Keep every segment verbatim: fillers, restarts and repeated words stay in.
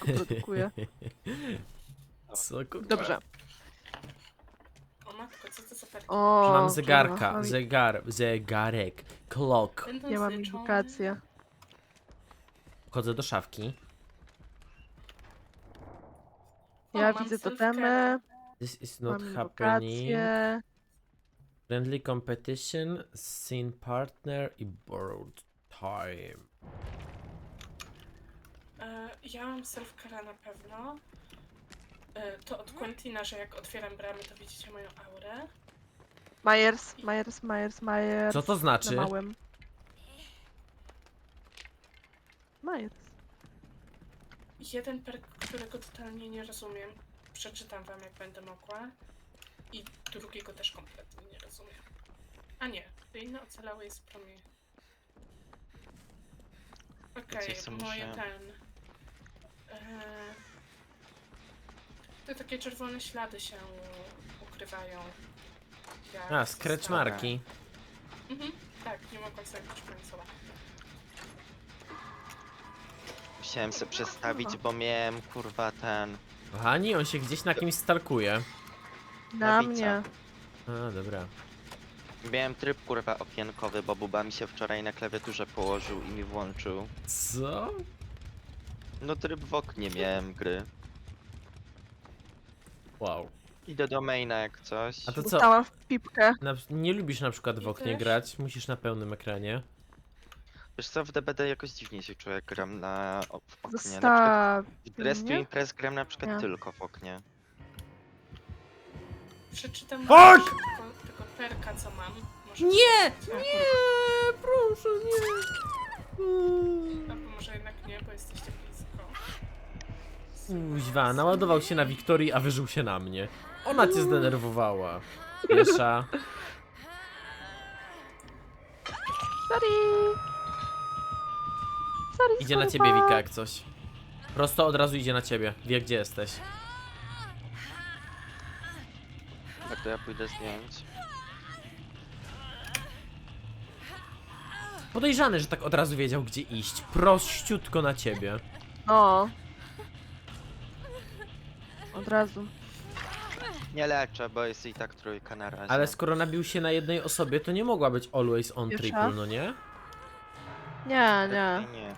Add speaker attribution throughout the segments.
Speaker 1: produkuje.
Speaker 2: Co kurwa?
Speaker 1: Dobrze.
Speaker 3: O matko, co to za perki?
Speaker 1: O,
Speaker 2: Mam
Speaker 1: kurwa,
Speaker 2: zegarka,
Speaker 1: mam-
Speaker 2: zegar, zegarek, clock.
Speaker 3: Będą
Speaker 1: Ja mam
Speaker 3: zliczone.
Speaker 1: indykację.
Speaker 2: Wchodzę do szafki.
Speaker 3: O,
Speaker 1: Ja
Speaker 3: mam
Speaker 1: widzę
Speaker 3: self-care.
Speaker 1: totemy,
Speaker 2: This is not
Speaker 1: mam
Speaker 2: happening.
Speaker 1: indykację.
Speaker 2: Friendly competition, scene partner i borrowed time.
Speaker 3: E, ja mam self-care'a na pewno. E, to od Quentina, że jak otwieram bramy, to widzicie moją aurę.
Speaker 1: Myers, Myers, Myers, Myers.
Speaker 2: Co to znaczy?
Speaker 1: Na małym. Myers.
Speaker 3: Jeden perk, którego totalnie nie rozumiem. Przeczytam wam, jak będę mogła. I drugiego też kompletnie nie rozumiem. A nie, to inne ocalały jest promień. Okej,
Speaker 4: Coś, co
Speaker 3: moje
Speaker 4: muszę-
Speaker 3: ten... E, te takie czerwone ślady się ukrywają. jak
Speaker 2: A, scratch
Speaker 3: została-
Speaker 2: marki.
Speaker 3: Mhm, tak, nie mogłam zagrać końcowa.
Speaker 4: Musiałem się przestawić, bo miałem kurwa ten...
Speaker 2: Kochani, on się gdzieś na kimś stalkuje.
Speaker 1: Na
Speaker 4: Nabica.
Speaker 1: mnie.
Speaker 2: A, dobra.
Speaker 4: Miałem tryb kurwa okienkowy, bo Buba mi się wczoraj na klawiaturze położył i mi włączył.
Speaker 2: Co?
Speaker 4: No tryb w oknie miałem gry.
Speaker 2: Wow.
Speaker 4: Idę do maina jak coś.
Speaker 2: A to co?
Speaker 1: Dostałam w pipkę.
Speaker 2: Na, nie lubisz na przykład w
Speaker 3: Ja
Speaker 2: oknie
Speaker 3: też.
Speaker 2: grać? Musisz na pełnym ekranie.
Speaker 4: Wiesz co, w D B D jakoś dziwnie się czuję, jak gram na o- w oknie. Na przykład
Speaker 1: Zostaw
Speaker 4: w Dress to
Speaker 1: mnie.
Speaker 4: Impress gram na przykład
Speaker 1: Nie.
Speaker 4: tylko w oknie.
Speaker 3: Przeczytam
Speaker 2: Fuck!
Speaker 3: wam szybko tego perka, co mam. Może
Speaker 2: Nie!
Speaker 3: chcecie?
Speaker 2: Nie! Proszę, nie!
Speaker 3: Albo może jednak nie, bo jesteście blisko.
Speaker 2: Kuźwa, naładował się na Wiktorii, a wyżył się na mnie. Ona cię zdenerwowała. Piesza.
Speaker 1: Sorry. Sorry,
Speaker 2: Idzie na
Speaker 1: sorry,
Speaker 2: ciebie,
Speaker 1: pa.
Speaker 2: Wika, jak coś. Prosto od razu idzie na ciebie. Wie, gdzie jesteś.
Speaker 4: Tak to ja pójdę zdjąć.
Speaker 2: Podejrzany, że tak od razu wiedział, gdzie iść. Prościutko na ciebie.
Speaker 1: No. Od razu.
Speaker 4: Nie leczę, bo jest i tak trójka na razie.
Speaker 2: Ale skoro nabił się na jednej osobie, to nie mogła być always on
Speaker 1: Pierwsza?
Speaker 2: triple, no nie?
Speaker 1: Nie, nie.
Speaker 4: Raczej nie.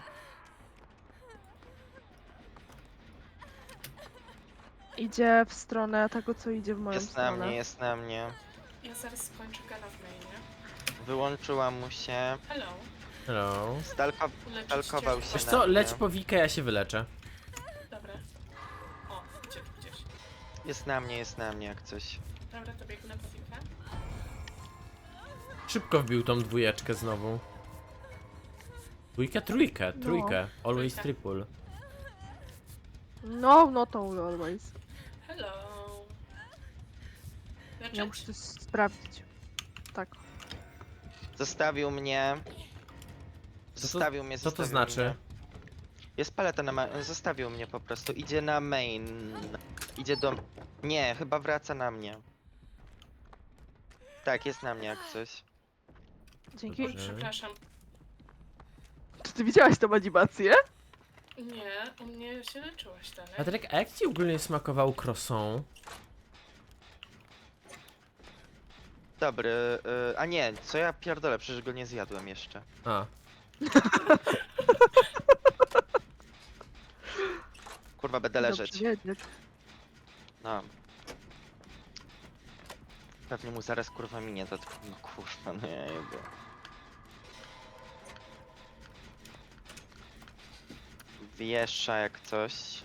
Speaker 1: Idzie w stronę tego, co idzie w moją
Speaker 4: Jest na
Speaker 1: stronę.
Speaker 4: mnie, jest na mnie.
Speaker 3: Ja zaraz skończę gala w mainie.
Speaker 4: Wyłączyła mu się.
Speaker 3: Hello.
Speaker 2: Hello.
Speaker 4: Stalko...
Speaker 3: Uleczyć
Speaker 4: Stalkował
Speaker 3: cię?
Speaker 4: się
Speaker 2: Wiesz
Speaker 4: na
Speaker 2: co,
Speaker 4: mnie.
Speaker 2: leć po Wikę, ja się wyleczę.
Speaker 3: Dobra. O, gdzie tu gdzieś.
Speaker 4: Jest na mnie, jest na mnie jak coś.
Speaker 3: Dobra, to biegnę po Wikę.
Speaker 2: Szybko wbił tą dwójeczkę znowu. Dwójkę, trójkę,
Speaker 1: No.
Speaker 2: trójkę. Always
Speaker 3: Trójkę.
Speaker 2: triple.
Speaker 1: No, no to always.
Speaker 3: Hello.
Speaker 1: Ja
Speaker 3: Leczyć?
Speaker 1: muszę to sprawdzić. Tak.
Speaker 4: Zostawił mnie. Zostawił mnie,
Speaker 2: Co to
Speaker 4: zostawił
Speaker 2: znaczy?
Speaker 4: Mnie. Jest paleta na ma... Zostawił mnie po prostu. Idzie na main. Idzie do... Nie, chyba wraca na mnie. Tak, jest na mnie jak coś.
Speaker 1: Dzięki.
Speaker 3: Oj, przepraszam.
Speaker 1: Czy ty widziałaś tą animację?
Speaker 3: Nie, u mnie się leczyłaś dalej.
Speaker 2: Patryk, a jak ci ogólnie smakował croissant?
Speaker 4: Dobry, y, a nie, co ja pierdolę, przecież go nie zjadłem jeszcze.
Speaker 2: A,
Speaker 4: Kurwa, będę leżeć.
Speaker 1: Dobrze wiedzieć.
Speaker 4: No. Pewnie mu zaraz kurwa minie to. No kurwa, no ja jebie. Wiesza jak coś.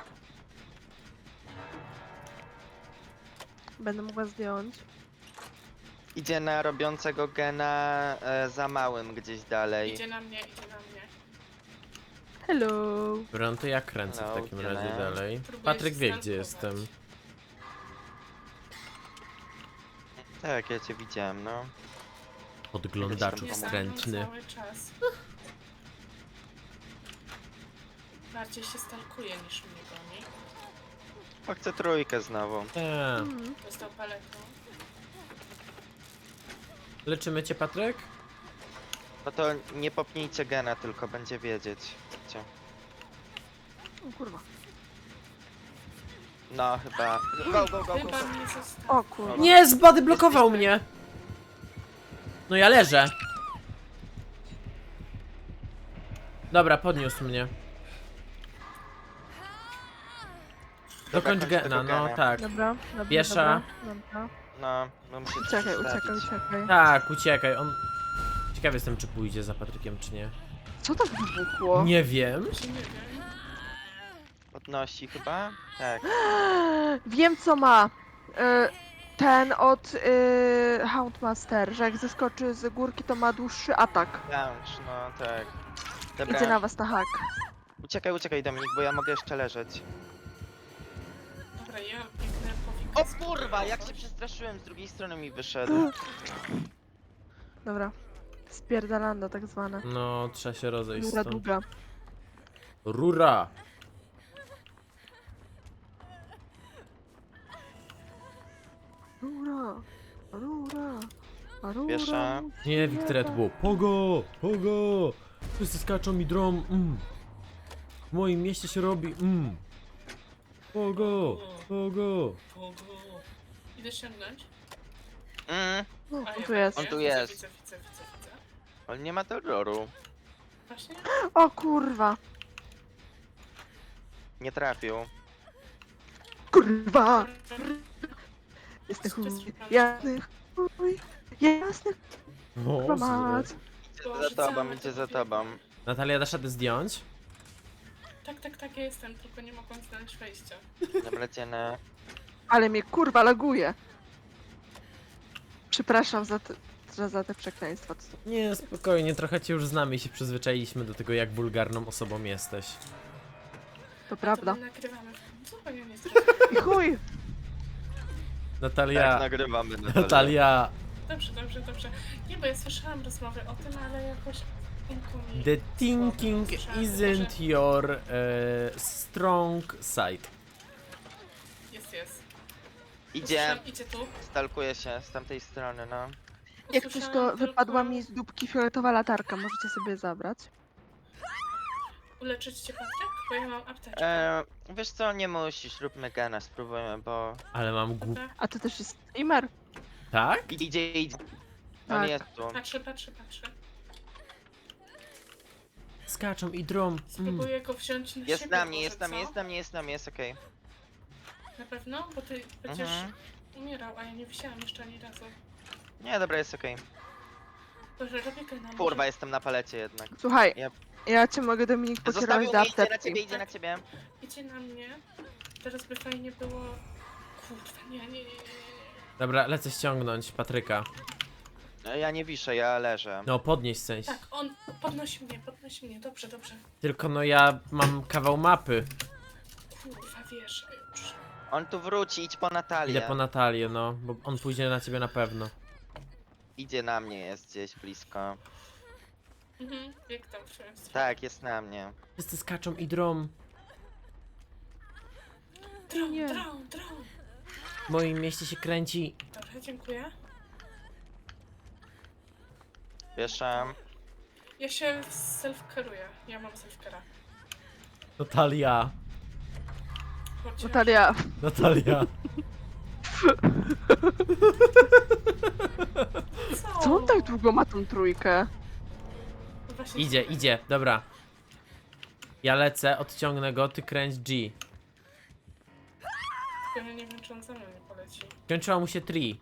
Speaker 1: Będę mogła zdjąć.
Speaker 4: Idzie na robiącego gena e, za małym gdzieś dalej.
Speaker 3: Idzie na mnie, idzie na mnie.
Speaker 1: Hello.
Speaker 2: dobra, no to ja kręcę w
Speaker 4: Hello,
Speaker 2: takim
Speaker 4: hello.
Speaker 2: razie dalej.
Speaker 3: Próbuję
Speaker 2: Patryk
Speaker 3: się
Speaker 2: wie, gdzie
Speaker 3: stalkować.
Speaker 2: jestem.
Speaker 4: Tak, ja cię widziałem, no.
Speaker 2: Podglądaczu
Speaker 3: Nie
Speaker 2: wstrętny.
Speaker 3: zagram cały czas. Bardziej się stalkuje niż mnie goni.
Speaker 4: O, chcę trójkę znowu.
Speaker 2: Eee.
Speaker 1: Mm.
Speaker 3: Dostał paletą.
Speaker 2: Leczymy cię, Patryk?
Speaker 4: No to nie popnijcie gena, tylko będzie wiedzieć. Gdzie.
Speaker 1: O kurwa.
Speaker 4: No chyba. Go, go, go, go,
Speaker 3: Chyba
Speaker 4: go.
Speaker 3: mnie zostawił.
Speaker 1: O kurwa.
Speaker 2: Nie, zbady blokował mnie! No ja leżę. Dobra, podniósł mnie. Dokończ
Speaker 4: kończ
Speaker 2: gena,
Speaker 4: tego
Speaker 2: no
Speaker 4: gena.
Speaker 2: tak.
Speaker 1: Dobra, dobra,
Speaker 2: Piesza.
Speaker 1: dobra, dobra.
Speaker 4: No, no muszę
Speaker 1: Uciekaj,
Speaker 4: zostawić.
Speaker 1: uciekaj, uciekaj.
Speaker 2: Tak, uciekaj, on... Ciekaw jestem, czy pójdzie za Patrykiem, czy nie.
Speaker 1: Co tak wybuchło?
Speaker 2: Nie wiem.
Speaker 3: Czy nie wiem?
Speaker 4: Podnosi chyba? Tak.
Speaker 1: Wiem co ma. Y, Ten od y, Houndmaster, że jak zeskoczy z górki, to ma dłuższy atak.
Speaker 4: Launch, no tak.
Speaker 1: Idzie
Speaker 4: Dobra,
Speaker 1: na was na hak.
Speaker 4: uciekaj, uciekaj Dominik, bo ja mogę jeszcze leżeć.
Speaker 3: Dobra, ja biegnę po
Speaker 4: O
Speaker 3: Wikasku.
Speaker 4: kurwa, jak się przestraszyłem, z drugiej strony mi wyszedł.
Speaker 1: Dobra. Spierdalanda tak zwana.
Speaker 2: No, trzeba się rozejść
Speaker 1: Długa,
Speaker 2: stąd.
Speaker 1: długa.
Speaker 2: Rura!
Speaker 1: Rura, rura, rura.
Speaker 4: Piesza.
Speaker 2: Nie, Wiktoria, to było pogo, pogo! Wszyscy skaczą mi drom, mm. W moim mieście się robi, mm. Pogo, pogo.
Speaker 3: Pogo. Idę ściągnąć.
Speaker 4: Mm,
Speaker 1: O,
Speaker 3: A,
Speaker 1: tu
Speaker 3: ja
Speaker 1: jest.
Speaker 4: On tu
Speaker 3: widzę,
Speaker 4: jest.
Speaker 3: Widzę, widzę, widzę, widzę.
Speaker 4: on nie ma terroru.
Speaker 3: Właśnie?
Speaker 1: O kurwa.
Speaker 4: Nie trafił.
Speaker 1: Kurwa. Jasny chuj. Jasny chuj. Jasny
Speaker 2: O,
Speaker 1: kurwa mać.
Speaker 4: Idzie za tobą, idzie za tobą.
Speaker 2: Natalia, dasz radę zdjąć?
Speaker 3: Tak, tak, tak, ja jestem, tylko nie mogłam znaleźć wejścia.
Speaker 4: Dobra, cienę.
Speaker 1: Ale mnie kurwa laguje. Przepraszam za te, za, za te przekleństwa. co-
Speaker 2: Nie, spokojnie, trochę cię już znamy i się przyzwyczailiśmy do tego, jak wulgarną osobą jesteś.
Speaker 1: To prawda.
Speaker 3: To my nagrywamy. Zupełnie nie zrozumiałam.
Speaker 1: I chuj.
Speaker 2: Natalia,
Speaker 4: Tak, nagrywamy. Natalia.
Speaker 2: Natalia,
Speaker 3: Dobrze, dobrze, dobrze. Nie, bo ja słyszałam rozmowy o tym, ale jakoś umku mi
Speaker 2: the thinking
Speaker 3: słabo słyszałam,
Speaker 2: isn't your e, strong side.
Speaker 3: Jest, jest.
Speaker 4: Idzie,
Speaker 3: Usłyszałam- Idzie tu.
Speaker 4: stalkuje się z tamtej strony, no.
Speaker 1: Jak coś to
Speaker 3: Usłyszałam
Speaker 1: wypadła
Speaker 3: tylko-
Speaker 1: mi z dupki fioletowa latarka. Możecie sobie zabrać.
Speaker 3: Uleczyć cię, Patryk? Bo ja mam apteczkę.
Speaker 4: E, wiesz co, nie musisz, róbmy gana, spróbujmy, bo...
Speaker 2: Ale mam głup...
Speaker 3: Dobra.
Speaker 1: A to też jest streamer.
Speaker 2: Tak?
Speaker 4: Idzie, idzie. On
Speaker 1: Tak.
Speaker 4: jest tu.
Speaker 3: Patrzę, patrzę, patrzę.
Speaker 2: Skaczą i drom. Mm.
Speaker 3: Spróbuję go wziąć na
Speaker 4: Jest
Speaker 3: siebie
Speaker 4: na mnie,
Speaker 3: może,
Speaker 4: jest na mnie,
Speaker 3: co?
Speaker 4: jest na mnie, jest na mnie, jest okej.
Speaker 3: Na pewno? Bo ty przecież
Speaker 4: Mhm.
Speaker 3: umierał, a ja nie wisiałam jeszcze ani razu.
Speaker 4: Nie, dobra, jest okej.
Speaker 3: Boże, robię go na
Speaker 4: Kurwa, jestem na palecie jednak.
Speaker 1: Słuchaj,
Speaker 4: Yep.
Speaker 1: ja cię mogę Dominik pokierować
Speaker 4: Zostawił
Speaker 1: do
Speaker 4: mnie, idzie na
Speaker 1: apteczki.
Speaker 4: ciebie, idzie na ciebie.
Speaker 3: Idzie na mnie. Teraz by fajnie było... Kurwa, nie, nie, nie, nie, nie.
Speaker 2: Dobra, lecę ściągnąć Patryka.
Speaker 4: E, Ja nie wiszę, ja leżę.
Speaker 2: No, podnieść w sensie.
Speaker 3: Tak, on podnosi mnie, podnosi mnie. Dobrze, dobrze.
Speaker 2: Tylko no ja mam kawał mapy.
Speaker 3: Kurwa, wiesz, już.
Speaker 4: On tu wróci, idź po Natalię.
Speaker 2: Idę po Natalię, no, bo on pójdzie na ciebie na pewno.
Speaker 4: Idzie na mnie, jest gdzieś blisko.
Speaker 3: Mhm, jak tam w twoją stronę.
Speaker 4: Tak, jest na mnie.
Speaker 2: Wszyscy skaczą i drom.
Speaker 3: Dron,
Speaker 1: Nie.
Speaker 3: dron, dron.
Speaker 2: W moim mieście się kręci.
Speaker 3: Dobra, dziękuję.
Speaker 4: Wieszam.
Speaker 3: Ja się self-caruję. Ja mam self-cara.
Speaker 2: Natalia.
Speaker 3: Chociaż...
Speaker 1: Natalia,
Speaker 2: Natalia.
Speaker 1: co on tak długo ma tą trójkę?
Speaker 3: No właśnie
Speaker 2: Idzie,
Speaker 3: słuchaj.
Speaker 2: idzie, dobra. Ja lecę, odciągnę go, ty kręć G.
Speaker 3: Tylko ja nie wiem, czy on za mną nie poleci.
Speaker 2: Kończyła mu się tree.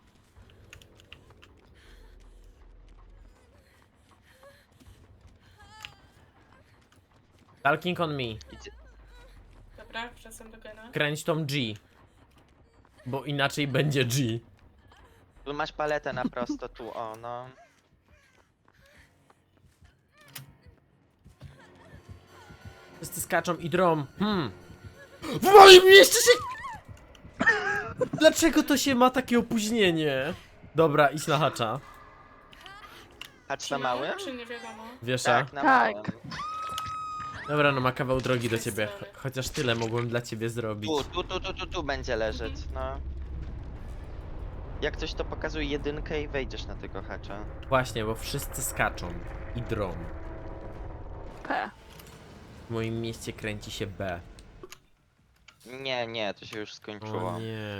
Speaker 2: Talking on me.
Speaker 4: Idzie.
Speaker 3: Dobra, wracam do gena.
Speaker 2: Kręć tą G. Bo inaczej będzie G.
Speaker 4: Tu masz paletę na prosto, tu, o, no.
Speaker 2: Wszyscy skaczą i drom. Hmm. W moim mieście się... Dlaczego to się ma takie opóźnienie? Dobra, idź na hacza.
Speaker 4: Hacz
Speaker 3: Czy
Speaker 4: na
Speaker 3: mały,
Speaker 4: małym?
Speaker 3: czy nie wiadomo?
Speaker 2: Wiesza?
Speaker 4: Tak, na
Speaker 1: Tak.
Speaker 4: małym.
Speaker 2: Dobra, no ma kawał drogi do
Speaker 3: Jest
Speaker 2: ciebie.
Speaker 3: sorry.
Speaker 2: Ch- Chociaż tyle mogłem dla ciebie zrobić.
Speaker 4: Tu, tu, tu, tu, tu, tu będzie leżeć, no. Jak coś to pokazuje jedynkę i wejdziesz na tego hacza.
Speaker 2: Właśnie, bo wszyscy skaczą i drom.
Speaker 1: P.
Speaker 2: W moim mieście kręci się B.
Speaker 4: Nie, nie, to się już skończyło.
Speaker 2: O nie.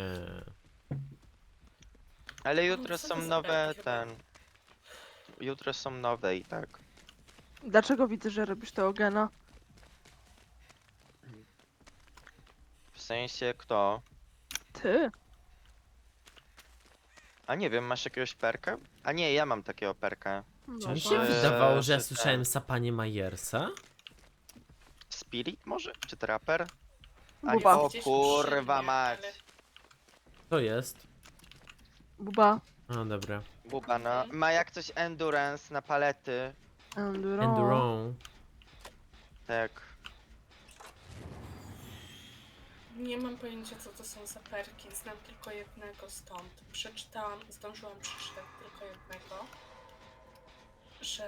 Speaker 4: Ale
Speaker 3: No,
Speaker 4: jutro
Speaker 3: co
Speaker 4: są
Speaker 3: to za
Speaker 4: nowe,
Speaker 3: belki chyba?
Speaker 4: ten... Jutro są nowe i tak.
Speaker 1: Dlaczego widzę, że robisz tego gena?
Speaker 4: W sensie kto?
Speaker 1: Ty?
Speaker 4: A nie wiem, masz jakiegoś perka? A nie, ja mam takiego perka.
Speaker 1: No
Speaker 2: Czy mi się
Speaker 1: właśnie.
Speaker 4: Eee,
Speaker 2: wydawało, że ja
Speaker 4: czy ten-
Speaker 2: słyszałem sapanie Majersa?
Speaker 4: Spirit może? Czy Trapper? A,
Speaker 1: Buba.
Speaker 4: o
Speaker 3: Gdzieś
Speaker 4: kurwa
Speaker 3: przy mnie,
Speaker 4: mać.
Speaker 3: ale-
Speaker 2: To jest.
Speaker 1: Buba.
Speaker 2: O, dobra.
Speaker 4: Buba no.
Speaker 3: Mhm.
Speaker 4: Ma jak coś endurance na palety.
Speaker 1: Enduro.
Speaker 2: Enduro.
Speaker 4: Tak.
Speaker 3: Nie mam pojęcia, co to są za perki. Znam tylko jednego stąd. Przeczytałam, zdążyłam przeczytać tylko jednego, że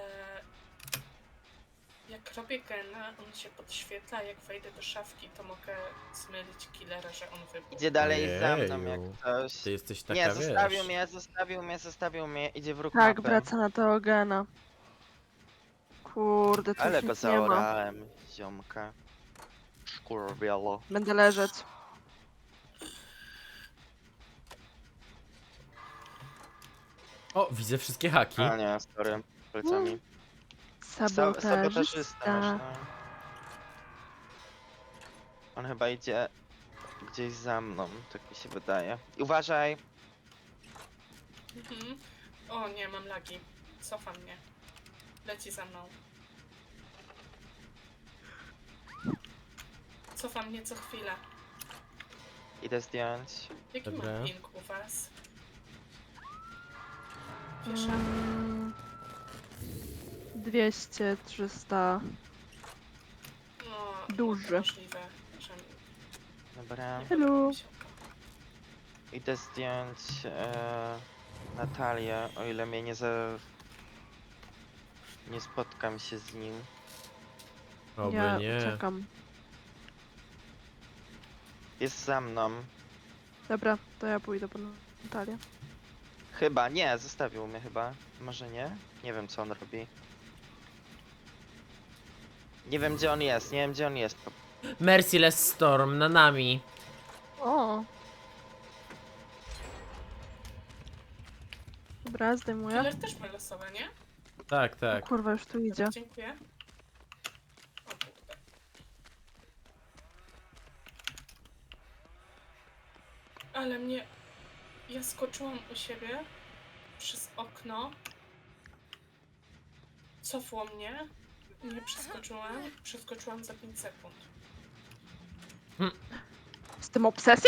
Speaker 3: jak robię gena, on się podświetla, jak wejdę do szafki, to mogę zmylić killera, że on wybuchł.
Speaker 4: Idzie dalej za mną jak
Speaker 2: Ojeju.
Speaker 4: ktoś.
Speaker 2: Ty jesteś taka,
Speaker 4: Nie,
Speaker 2: wiesz...
Speaker 4: zostawił mnie, zostawił mnie, zostawił mnie. Idzie w róg
Speaker 1: Tak,
Speaker 4: mapy.
Speaker 1: wraca na tego gena. Kurde, tu
Speaker 4: Ale
Speaker 1: już
Speaker 4: go
Speaker 1: nic nie ma.
Speaker 4: zaorałem, ziomka. Szkurwielo.
Speaker 1: Będę leżeć.
Speaker 2: O, widzę wszystkie haki.
Speaker 4: A nie, sorry. Plecami. Sa-
Speaker 1: Sabotażysta.
Speaker 4: Sabotażysta masz, no. On chyba idzie gdzieś za mną, tak mi się wydaje. I uważaj!
Speaker 3: Mhm. O nie, mam lagi. Cofa mnie. Leci za mną. Cofa mnie co chwilę.
Speaker 4: Idę zdjąć.
Speaker 3: Jaki
Speaker 2: Dobra.
Speaker 3: mam ping u was? Wiesza?
Speaker 1: Mm, dwieście, trzysta.
Speaker 3: No,
Speaker 1: duży.
Speaker 3: Możliwe, że
Speaker 4: Dobra.
Speaker 3: nie
Speaker 1: Hello.
Speaker 3: podoba mi się to.
Speaker 4: Idę zdjąć e, Natalię, o ile mnie nie za... Nie spotkam się z nim.
Speaker 2: Oby
Speaker 1: Ja
Speaker 2: nie.
Speaker 1: czekam.
Speaker 4: Jest za mną.
Speaker 1: Dobra, to ja pójdę po Natalię.
Speaker 4: Chyba, nie, zostawił mnie chyba. Może nie? Nie wiem co on robi. Nie wiem gdzie on jest, nie wiem gdzie on jest.
Speaker 2: Merciless Storm na nami.
Speaker 1: O. Dobra, zdejmuję.
Speaker 3: Killer też ma losowe, nie?
Speaker 2: Tak,
Speaker 1: O
Speaker 2: tak.
Speaker 1: kurwa, już tu idzie.
Speaker 3: Dziękuję. O kurde. Ale mnie... Ja skoczyłam u siebie przez okno. Cofło mnie. Nie przeskoczyłam. Przeskoczyłam za pięć sekund.
Speaker 1: Z tym obsesją?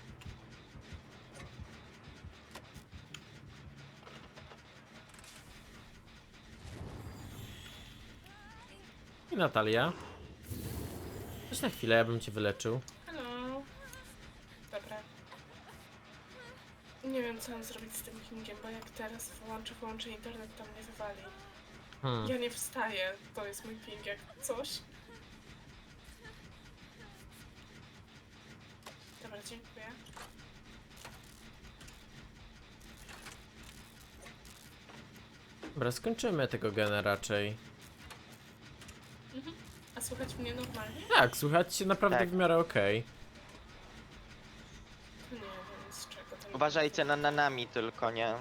Speaker 2: I Natalia. Chodź na chwilę, ja bym cię wyleczył.
Speaker 3: Hello. Dobra. Nie wiem co mam zrobić z tym pingiem, bo jak teraz wyłączę, wyłączę internet, to mnie wywali.
Speaker 2: Hmm.
Speaker 3: Ja nie wstaję, to jest mój ping jak coś. Dobra, dziękuję.
Speaker 2: Dobra, skończymy tego gena raczej.
Speaker 3: Mhm. A słuchać mnie normalnie?
Speaker 2: Tak, słuchać się naprawdę
Speaker 4: Tak.
Speaker 2: w miarę okej.
Speaker 3: To nie wiem z czego to.
Speaker 4: Uważajcie na nanami tylko, nie?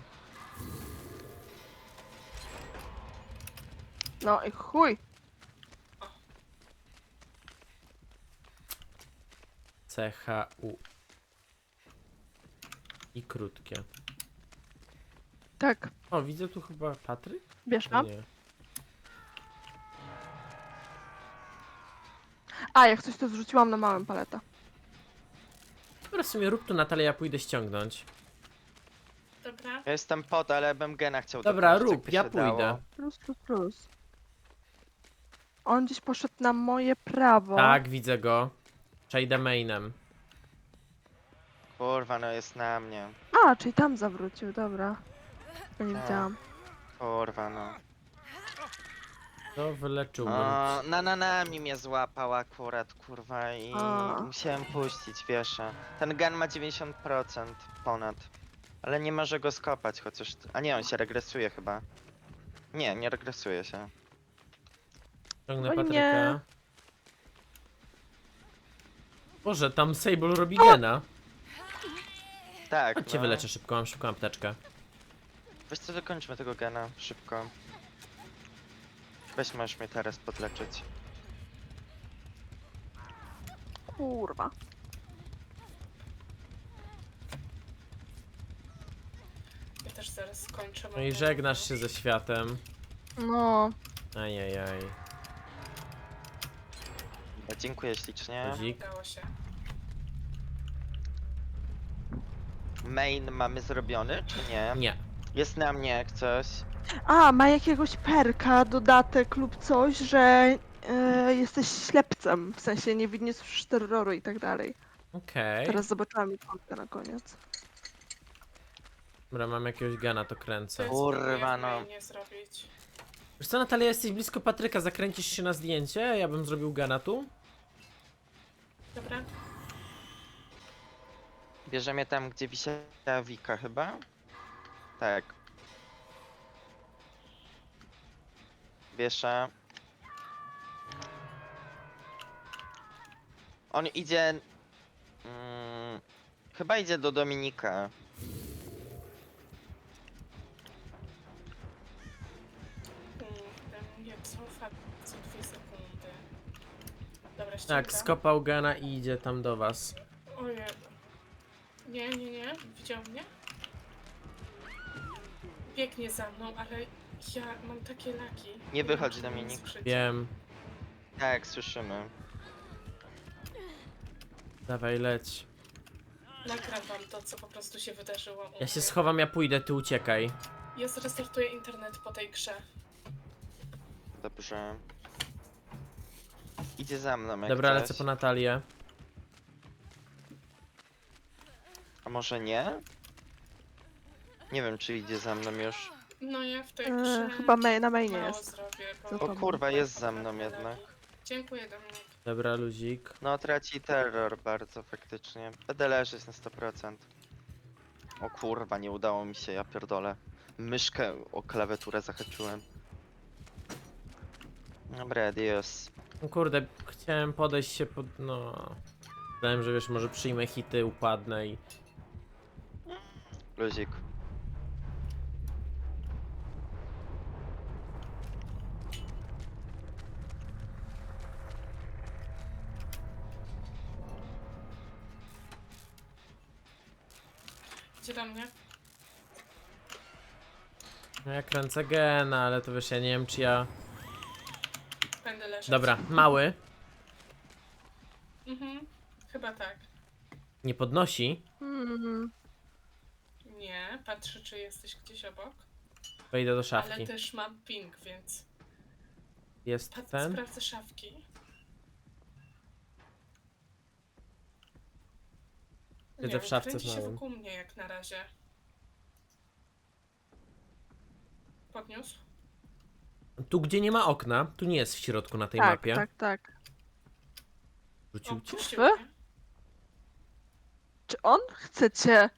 Speaker 1: No i chuj.
Speaker 2: C H U. I krótkie.
Speaker 1: Tak,
Speaker 2: O, widzę tu chyba Patryk?
Speaker 1: bierz
Speaker 2: O
Speaker 1: na.
Speaker 2: nie.
Speaker 1: A, jak coś to zrzuciłam na małym paleta.
Speaker 2: Dobra, w sumie rób tu Natalia, ja pójdę ściągnąć.
Speaker 3: Dobra.
Speaker 4: Ja jestem pod, ale bym gena chciał
Speaker 2: Dobra,
Speaker 4: dokończyć,
Speaker 2: rób,
Speaker 4: jakby
Speaker 2: ja
Speaker 4: się
Speaker 2: pójdę.
Speaker 4: dało.
Speaker 1: Plus, plus, plus. On gdzieś poszedł na moje prawo.
Speaker 2: Tak, widzę go. Przejdę mainem.
Speaker 4: Kurwa, no jest na mnie.
Speaker 1: A, czyli tam zawrócił, dobra. Ja nie
Speaker 4: Tak.
Speaker 1: widziałam.
Speaker 4: Kurwa, no.
Speaker 2: To wyleczyłbym.
Speaker 4: O, na nanami mnie złapał akurat, kurwa, i
Speaker 1: A.
Speaker 4: musiałem puścić, wiesz. Ten gen ma dziewięćdziesiąt procent ponad. Ale nie może go skopać, chociaż... A nie, on się regresuje chyba. Nie, nie regresuje się.
Speaker 2: Ciągnę
Speaker 1: O nie.
Speaker 2: Patryka. Boże, tam Sable robi gena.
Speaker 4: Tak,
Speaker 2: Chodź cię
Speaker 4: no.
Speaker 2: wyleczę szybko, mam szybką apteczkę.
Speaker 4: Weź co, dokończmy tego gena, szybko. Weź, możesz mnie teraz podleczyć.
Speaker 1: Kurwa.
Speaker 3: Ja też zaraz skończę.
Speaker 2: No i żegnasz się ze światem.
Speaker 1: No.
Speaker 2: Ajajaj.
Speaker 4: Ja dziękuję ślicznie.
Speaker 2: Dzik.
Speaker 3: Udało się.
Speaker 4: Main mamy zrobiony, czy nie?
Speaker 2: Nie.
Speaker 4: Jest na mnie jak coś.
Speaker 1: A, ma jakiegoś perka, dodatek lub coś, że e, jesteś ślepcem. W sensie nie widniesz terroru i tak dalej.
Speaker 2: Okej.
Speaker 1: Teraz zobaczyłam ikonkę na koniec.
Speaker 2: Dobra, mam jakiegoś gena, to
Speaker 3: Co
Speaker 2: kręcę.
Speaker 3: ja
Speaker 4: Kurwa,
Speaker 3: spróbuję w
Speaker 4: no.
Speaker 3: mainie zrobić?
Speaker 2: Wiesz co, Natalia, jesteś blisko Patryka, zakręcisz się na zdjęcie? Ja bym zrobił gena tu.
Speaker 3: Dobra?
Speaker 4: Bierzemy tam, gdzie wisiała Wika chyba? Tak. Wiesza. On idzie... Mm, chyba idzie do Dominika.
Speaker 3: Kurde, nie cofa co dwie sekundy. Dobra,
Speaker 2: Tak,
Speaker 3: ściągam.
Speaker 2: skopał gena i idzie tam do was.
Speaker 3: Ojej. Nie, nie, nie. Widział mnie? Biegnie za mną, ale ja mam takie laki.
Speaker 4: Nie
Speaker 3: wiem,
Speaker 4: wychodź,
Speaker 3: czy
Speaker 4: Dominik.
Speaker 3: słyszycie.
Speaker 2: Wiem.
Speaker 4: Tak, słyszymy.
Speaker 2: Dawaj, leć.
Speaker 3: Nagram wam to, co po prostu się wydarzyło. u
Speaker 2: Ja się
Speaker 3: mnie.
Speaker 2: schowam, ja pójdę, ty uciekaj.
Speaker 3: Ja zrestartuję internet po tej grze.
Speaker 4: Dobrze. Idzie za mną jak
Speaker 2: Dobra,
Speaker 4: coś.
Speaker 2: lecę po Natalię.
Speaker 4: A może nie? Nie wiem, czy idzie za mną już.
Speaker 3: No ja w tej
Speaker 1: E,
Speaker 3: grze
Speaker 1: chyba main, na mainie
Speaker 3: mało
Speaker 1: jest.
Speaker 3: zrobię,
Speaker 1: Co
Speaker 3: bo...
Speaker 1: to
Speaker 4: O kurwa, jest za mną jednak.
Speaker 3: Dziękuję, Dominik.
Speaker 2: Dobra, luzik.
Speaker 4: No, traci terror bardzo faktycznie. Będę leżeć na sto procent. O kurwa, nie udało mi się, ja pierdolę. Myszkę o klawiaturę zahaczyłem. Dobra, adios.
Speaker 2: No kurde, chciałem podejść się pod... no... Myślałem, że wiesz, może przyjmę hity, upadnę i...
Speaker 4: Luzik.
Speaker 3: Gdzie do mnie?
Speaker 2: No ja kręcę gena, ale to wiesz, ja nie wiem czy ja...
Speaker 3: Będę leżeć.
Speaker 2: Dobra, mały.
Speaker 3: Mhm, chyba tak.
Speaker 2: Nie podnosi.
Speaker 1: Hmm.
Speaker 3: Nie, patrzę, czy jesteś gdzieś obok.
Speaker 2: Wejdę do
Speaker 3: Ale
Speaker 2: szafki.
Speaker 3: też mam ping, więc...
Speaker 2: Jest
Speaker 3: Pat,
Speaker 2: ten?
Speaker 3: sprawdzę szafki.
Speaker 2: Siedzę
Speaker 3: Nie
Speaker 2: w
Speaker 3: wiem,
Speaker 2: szafce
Speaker 3: kręci
Speaker 2: z
Speaker 3: się
Speaker 2: małym.
Speaker 3: wokół mnie jak na razie. Podniósł?
Speaker 2: Tu gdzie nie ma okna, tu nie jest w środku na tej
Speaker 1: Tak,
Speaker 2: mapie.
Speaker 1: tak, tak.
Speaker 2: Rzucił
Speaker 3: O,
Speaker 2: cię?
Speaker 3: puścił
Speaker 1: E?
Speaker 3: mnie.
Speaker 1: Czy on chce cię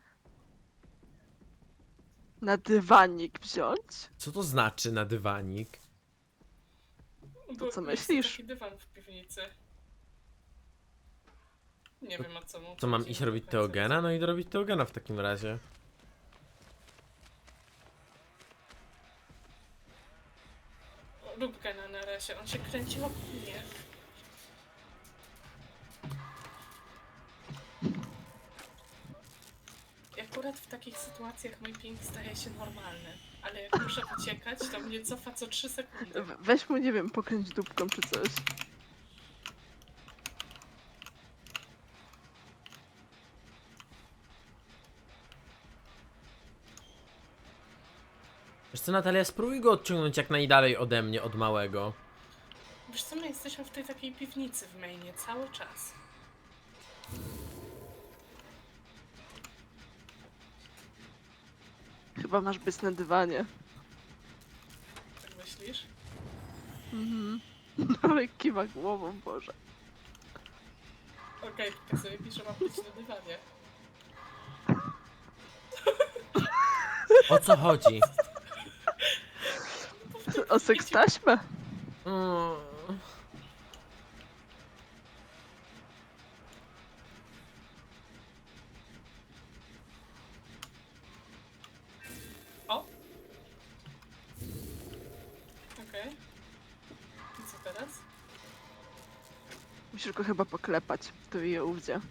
Speaker 1: na dywanik wziąć?
Speaker 2: Co to znaczy na dywanik?
Speaker 3: Bo
Speaker 1: co
Speaker 3: jest
Speaker 1: myślisz?
Speaker 3: taki dywan w piwnicy. Nie wiem o co mu
Speaker 2: Co mam
Speaker 3: chodzi,
Speaker 2: iść
Speaker 3: nie
Speaker 2: robić
Speaker 3: do końca
Speaker 2: Teogena? No idę robić Teogena w takim razie.
Speaker 3: wiem. Rób gena na razie, on się kręci wokół mnie. I akurat w takich sytuacjach mój ping staje się normalny. Ale jak muszę uciekać, to mnie cofa co trzy sekundy.
Speaker 1: We- Weź mu, nie wiem, pokręć dupką czy coś.
Speaker 2: Wiesz co, Natalia, spróbuj go odciągnąć jak najdalej ode mnie, od małego.
Speaker 3: Wiesz co, my jesteśmy w tej takiej piwnicy w mainie cały czas.
Speaker 1: Chyba masz być na dywanie.
Speaker 3: Tak myślisz?
Speaker 1: Mhm. Ale kiwa głową, Boże.
Speaker 3: Okej, okay, sobie piszę, mam być na dywanie.
Speaker 2: O co chodzi?
Speaker 1: O seks taśmę?
Speaker 2: Mm.
Speaker 3: Okej. I co teraz?
Speaker 1: Musisz go chyba poklepać, to je ówdzie.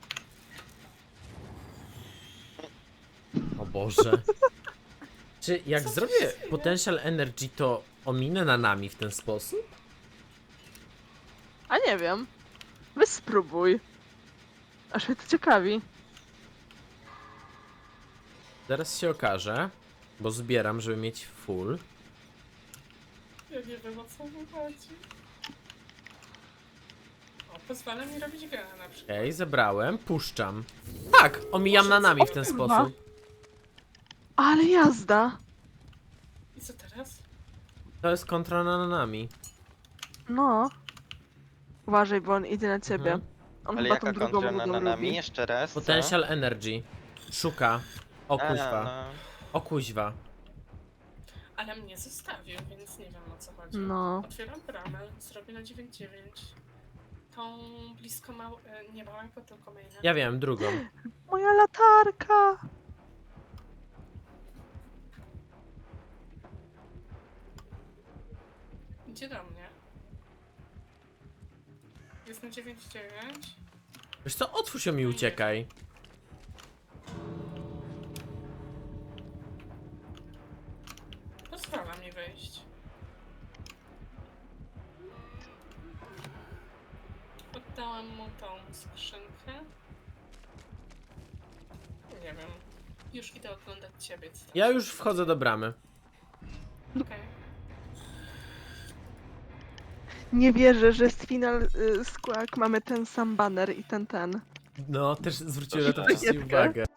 Speaker 2: O Boże. Czy jak
Speaker 3: Co tu
Speaker 2: zrobię
Speaker 3: się dzieje?
Speaker 2: Potential Energy, to ominę na nami w ten sposób?
Speaker 1: A nie wiem. Weź spróbuj. Aż mnie to ciekawi.
Speaker 2: Zaraz się okaże, bo zbieram, żeby mieć full.
Speaker 3: Ja nie wiem, o co mu chodzi. O, pozwala mi robić gena na przykład.
Speaker 2: Okej, zebrałem, puszczam. Tak, omijam na nami w ten
Speaker 1: Kurwa.
Speaker 2: sposób.
Speaker 1: Ale jazda!
Speaker 3: I co teraz?
Speaker 2: To jest kontra na nami.
Speaker 1: No. Uważaj, bo on idzie na ciebie.
Speaker 2: Mhm.
Speaker 1: On
Speaker 4: Ale
Speaker 1: chyba
Speaker 4: jaka
Speaker 1: tą drugą
Speaker 4: kontra na,
Speaker 1: nogą
Speaker 4: na nami?
Speaker 1: lubi.
Speaker 4: Jeszcze raz, co?
Speaker 2: Potential Energy. Szuka. O
Speaker 4: A,
Speaker 2: kuźwa.
Speaker 4: no.
Speaker 2: O kuźwa.
Speaker 3: Ale mnie zostawił, więc nie wiem, o co chodzi.
Speaker 1: No.
Speaker 3: Otwieram bramę, zrobię na dziewięć dziewięć. Tą blisko mał... e, nie małego, tylko maina.
Speaker 2: Ja wiem, drugą.
Speaker 1: Moja latarka!
Speaker 3: Idzie do mnie. Jest na dziewięć dziewięć.
Speaker 2: Wiesz co, otwórz ją i uciekaj.
Speaker 3: Pozwala mi wyjść. Oddałam mu tą skrzynkę. Nie wiem. Już idę oglądać ciebie. co tam
Speaker 2: Ja
Speaker 3: się
Speaker 2: już wchodzę do bramy.
Speaker 3: Okej.
Speaker 1: Nie wierzę, że jest final y, skład. Mamy ten sam banner i ten ten.
Speaker 2: No, też zwróciłem na to
Speaker 1: Proszę.
Speaker 2: wcześniej uwagę.